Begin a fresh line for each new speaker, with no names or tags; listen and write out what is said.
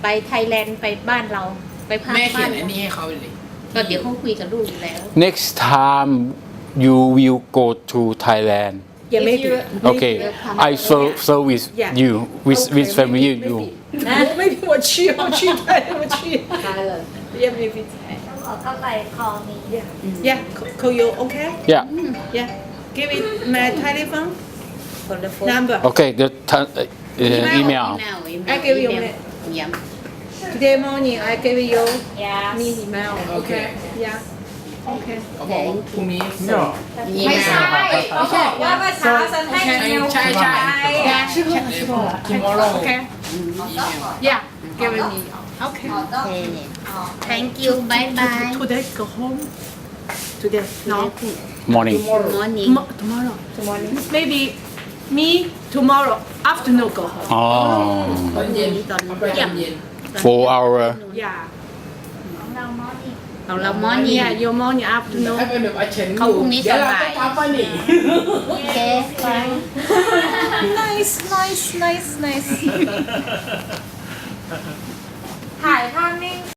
ไปไทยแลนด์ไปบ้านเราไปพัก
แม่เขี
บ้าย น
นอันนี้ให้เขาเลย
ก็เดี๋ยวเขาคุยกับลูกอยู่แล้ว
Next time you will go to Thailand.
Yeah, maybe.
Okay, I service
Yeah.
you with
Okay,
family
maybe,
you.
Maybe 我去我去 Yeah, maybe.
บอกเข้าไปคอมี
Yeah, call you okay?
Yeah.
Yeah. Give it my telephone
คนละโฟน
number.
Okay, the email.
I give you my-
ย้ำ
Today morning I give you
ยา
me email. Okay. Yeah. Okay.
เขาบอกว่าพรุ่งนี้
ไม่ใช่เขาบอกว่าเมื่อเช้าฉันให้เมล
ใช่ tomorrow
Okay. Yeah. Give me. Okay.
thank you bye bye
Today go home. Today no.
Morning.
morning
Tomorrow. Maybe me tomorrow afternoon go home.
อ๋อ
ตอนเย็น
ตอน
เอาไปตอนเย็น
4 hour.
Yeah.
ของเรามอนี่
ของเรา morning
Yeah, your morning afternoon.
ให้เป็นแบบอาเชน
เขาพรุ่งนี้
เดี๋ยวเรา
ส
ต้
บา
อย งพักป่ะนี่
โอเค
nice nice nice nice ถ่ายภาพนิ่ง